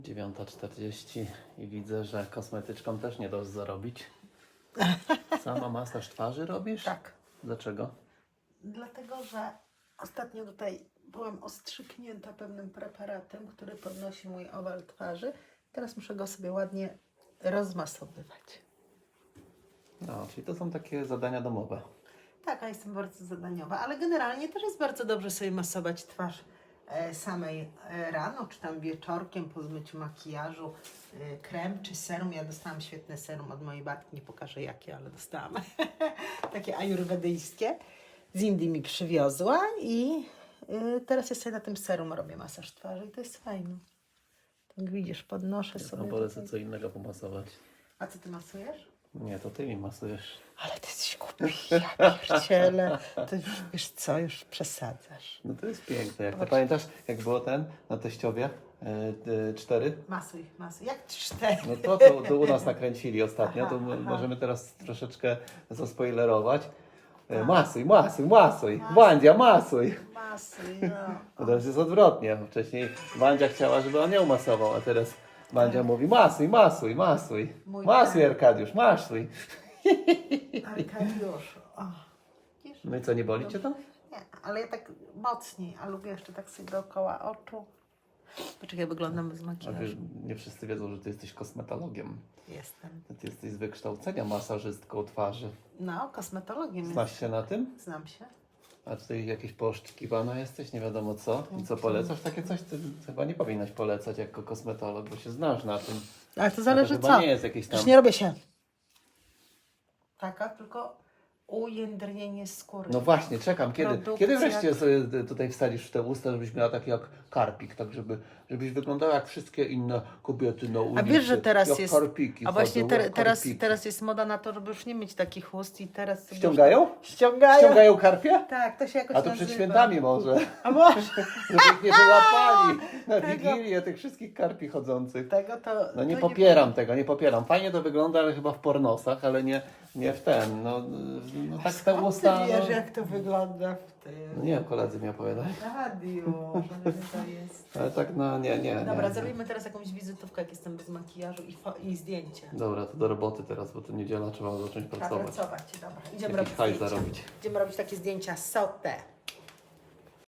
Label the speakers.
Speaker 1: 9:40 i widzę, że kosmetyczką też nie dasz zarobić. Sama masaż twarzy robisz?
Speaker 2: Tak.
Speaker 1: Dlaczego?
Speaker 2: Dlatego, że ostatnio tutaj byłam ostrzyknięta pewnym preparatem, który podnosi mój owal twarzy. Teraz muszę go sobie ładnie rozmasowywać.
Speaker 1: No, czyli to są takie zadania domowe.
Speaker 2: Tak, a jestem bardzo zadaniowa, ale generalnie też jest bardzo dobrze sobie masować twarz samej rano, czy tam wieczorkiem po zmyciu makijażu, krem czy serum. Ja dostałam świetne serum od mojej babki, nie pokażę jakie, ale dostałam. Takie ajurwedyjskie. Z Indii mi przywiozła i teraz ja sobie na tym serum robię masaż twarzy i to jest fajne. Tak widzisz, podnoszę sobie.
Speaker 1: No polecę co innego pomasować.
Speaker 2: A co ty masujesz?
Speaker 1: Nie, to ty mi masujesz.
Speaker 2: Ale ty jesteś głupi, ja pierdzielę. To już, wiesz co, już przesadzasz.
Speaker 1: No to jest piękne. Jak to pamiętasz, jak było na teściowie? 4?
Speaker 2: Masuj. Jak 4?
Speaker 1: No to u nas nakręcili ostatnio, to
Speaker 2: Aha.
Speaker 1: możemy teraz troszeczkę zaspoilerować.
Speaker 2: Tak.
Speaker 1: Masuj. Wandzia, masuj.
Speaker 2: Masuj,
Speaker 1: No
Speaker 2: no.
Speaker 1: teraz jest odwrotnie. Wcześniej Wandzia chciała, żeby on ją masował, a teraz Wandzia mówi masuj.
Speaker 2: Mój
Speaker 1: Masuj,
Speaker 2: tak.
Speaker 1: Arkadiusz, masuj.
Speaker 2: Arkadiusz. O. Wiesz?
Speaker 1: No i co, nie boli cię to?
Speaker 2: Nie, ale ja tak mocniej, a lubię jeszcze tak sobie dookoła oczu. Poczekaj, wyglądam bez
Speaker 1: A
Speaker 2: makijażu.
Speaker 1: wiesz, nie wszyscy wiedzą, że ty jesteś kosmetologiem.
Speaker 2: Jestem.
Speaker 1: Ty jesteś z wykształcenia masażystką twarzy.
Speaker 2: No, kosmetologiem
Speaker 1: Znasz się na tym?
Speaker 2: Znam się.
Speaker 1: A tutaj jakieś poszczkiwana jesteś, nie wiadomo co. I co polecasz? Takie coś ty chyba nie powinnaś polecać jako kosmetolog, bo się znasz na tym.
Speaker 2: Ale to zależy
Speaker 1: chyba
Speaker 2: co.
Speaker 1: nie jest jakieś tam...
Speaker 2: Już nie robię się taka, tylko ujędrnienie skóry.
Speaker 1: No właśnie, czekam. Kiedy
Speaker 2: Produkcja.
Speaker 1: wreszcie sobie tutaj wsadzisz w te usta, żebyś miała taki jak karpik, tak żebyś wyglądała jak wszystkie inne kobiety na ulicy.
Speaker 2: A wiesz, że teraz
Speaker 1: jak
Speaker 2: jest.
Speaker 1: karpiki
Speaker 2: A właśnie
Speaker 1: chodzą, jak karpiki.
Speaker 2: teraz jest moda na to, żeby już nie mieć takich ust i teraz. sobie
Speaker 1: Ściągają?
Speaker 2: Już... Ściągają.
Speaker 1: Ściągają karpie?
Speaker 2: Tak, to się jakoś
Speaker 1: A to
Speaker 2: nazywa.
Speaker 1: przed świętami może.
Speaker 2: A może
Speaker 1: Żeby ich nie wyłapali na
Speaker 2: Tego-
Speaker 1: Wigilię tych wszystkich karpi chodzących.
Speaker 2: tego to.
Speaker 1: No nie
Speaker 2: to
Speaker 1: popieram tego, nie popieram. Fajnie to wygląda, ale chyba w pornosach, ale nie w ten. No tak te
Speaker 2: Skąd
Speaker 1: usta.
Speaker 2: Ty wiesz,
Speaker 1: No,
Speaker 2: jak to wygląda w tym
Speaker 1: no nie wiem, koledzy mi opowiadali.
Speaker 2: radiu, że to jest.
Speaker 1: Ale tak no nie.
Speaker 2: Dobra,
Speaker 1: nie.
Speaker 2: zrobimy teraz jakąś wizytówkę, jak jestem bez makijażu i zdjęcie.
Speaker 1: Dobra, to do roboty teraz, bo to niedziela, trzeba zacząć
Speaker 2: Trzeba
Speaker 1: pracować.
Speaker 2: pracować, dobra. Idziemy
Speaker 1: Jakiś
Speaker 2: robić
Speaker 1: hajs
Speaker 2: zdjęcia.
Speaker 1: zarobić.
Speaker 2: Idziemy robić takie zdjęcia sotę.